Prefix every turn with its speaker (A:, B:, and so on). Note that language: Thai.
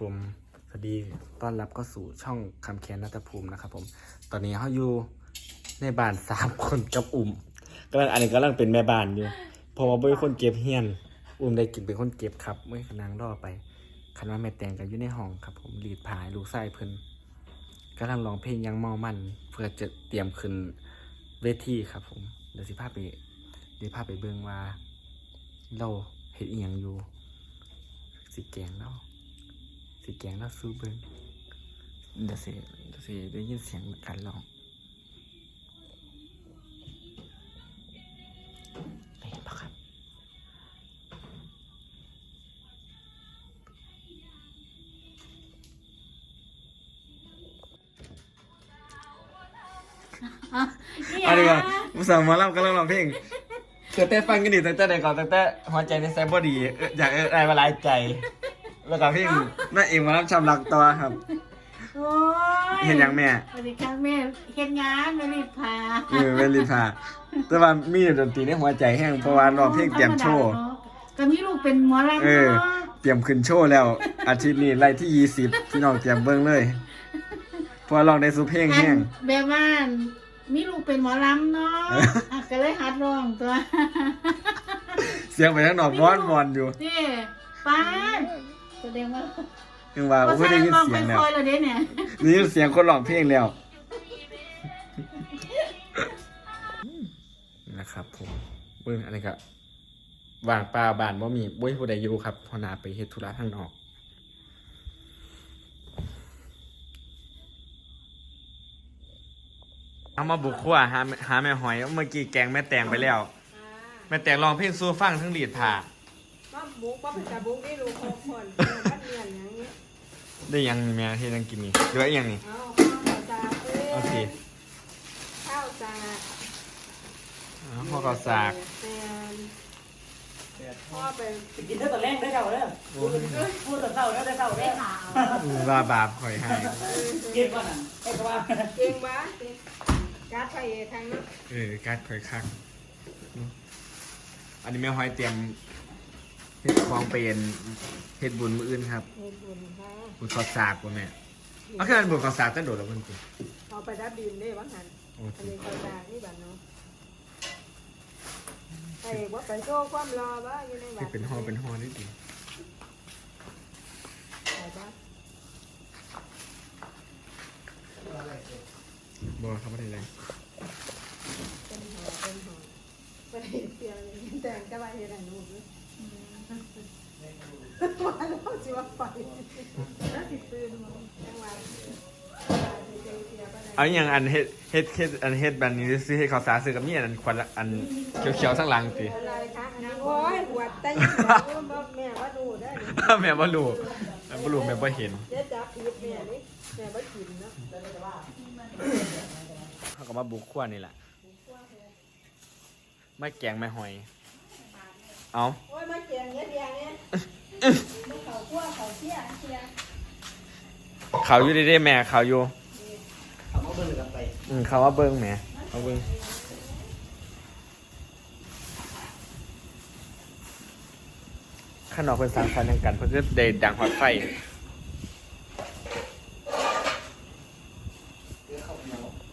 A: ผมสวัสดีต้อนรับเข้าสู่ช่องคำแคนนัตภูมินะครับผมตอนนี้เขาอยู่ในบ้าน3 คนกับกำลังอันนี้กำลังเป็นแม่บ้านอยู่เพราะว่าเป็นคนเก็บเฮียนได้กินเป็นคนเก็บครับเมื่อนางรอไปคันว่าแม่แตงกันอยู่ในห้องครับผมรีดผ้าลูกชายเพิ่นกำลังร้องเพลงยังเมามันเพื่อจะเตรียมขึ้นเวทีครับผมเดี๋ยวสิพาไปเบิ่งว่าเราเฮ็ดอีหยังอยู่สิแกงแล้วสู้เบิ่งเดี๋ยวสิได้ยินเสียงการร้องได้ยินปะครับอันนี้ก็ผู้สาวหมอลำกำลังร้องเพลงเธอเต้ฟังกันดิตั้งแต่ไหนก่อนตั้งแต่หัวใจในแซมบอดีอยากอะไรมาลายใจแล้วก็เพลงแม่เองมารับชำรักตัวครับ
B: โอ้ย
A: เห็นยังแม่
B: สวัสดีครับแม่เฮ็ดงานไม่รีบพา
A: ไม่รีบพาแต่ว่ามีดนตรีในหัวใจแห้งเพราะว่าร้องเพลงเตรียมโชว์
B: ก็มีลูกเป็นหมอลำเนาะ
A: เตรียมขึ้นโชว์แล้วอาทิตย์นี้ไล่ที่20พี่น้องเตรียมเบิ่งเลยเพราะร้องได้สุเพลงแห้ง
B: แบบว่ามีลูกเป็นหมอลำเนาะก็เลยหัดร้องตัว
A: เสียงไปทั้งนอกวอนอยู่
B: นี่ป้าแสดงว่า
A: ยังว่าไม่ได้ยินเสียงแล้วนี่เสียงคนร้องเพลงแล้วนะครับผมเบิ่งอันนี้ก็วางปลาบ้านบ่มีบ่มีผู้ใดอยู่ครับพอนาไปเฮ็ดธุระข้างนอกเอามาบุกครัวหาแม่หอยเมื่อกี้แกงแม่แตงไปแล้วแม่แตงร้องเพลงสู้ฟังทั้งรีดผ้า
C: บุกเป็นตาบุกได้รู้ครบคนมันเรียนอย่างนี้
A: ได้ยังแม่ที่ยังกินนี่หรือว่ายังนี่
C: โอเค
A: ข้าวสาก
C: พ่อไปกินเท่าตอนแรกได้เท่าแล้วพูดตอนเท่าแล้วได้เท่าได้หา
A: ว่าบาปข่อยให้
C: เก่งกว่านั้นไอ้ก็ว่าเก่งบ้าการ์ดไฟทางนั้น
A: การ์ดข่อยคักอันนี้แม่หอยเตรียมเฮ็ดของเป็นเฮ็ดบุญมื้ออื่นครับบุญขอสากบ่แม่เอาแค่นั้นบุญขอสากจะโดดแล้วเพิ่นสิ
C: เอาไปดับดินได้ว่าหั่นอันนี้ขอสากนี่บัดเนาะไอ้ว่าไปโชว์ความรอบ่อยู่ในบัด
A: เป็นฮอนิดนึงบ่ครับบ่ได้เลย
C: เป็นหอไปเสียแต่งก็ว่าเฮ็ดให้หนูว่าเราสิว่าไปแล้วสิตื่นมาจังหวะ
A: เอาอย่างอันเฮ็ดแบบนี้ซื้อให้เขาสาซื้อกับนี่อันควันอันเขียวๆทั้งหลังติ
C: อะไรคะอันนี้โอ้ยปวดแต่แม่ว่าดูได้
A: แม่บ่รู้แม่บ่เห็น
C: เจ๊จับผิดแม่นี่แม่บ่กินเนาะ
A: เขาก็มาบุกครัวนี่แหละไม่แกงไม่หอยเอา
C: โอ้ยมาแกงเงี้ยเนี่ยเขาคั่วเขาเชี่ย
A: เขาอยู่ดีๆแม่เขาอยู่
D: เขามาเบิ่งกันไป
A: เขาว่าเบิ้งแม่เขาเบิ้งขนมเป็นสร้างสรรค์กันเพื่อได้ดังหอดไฟ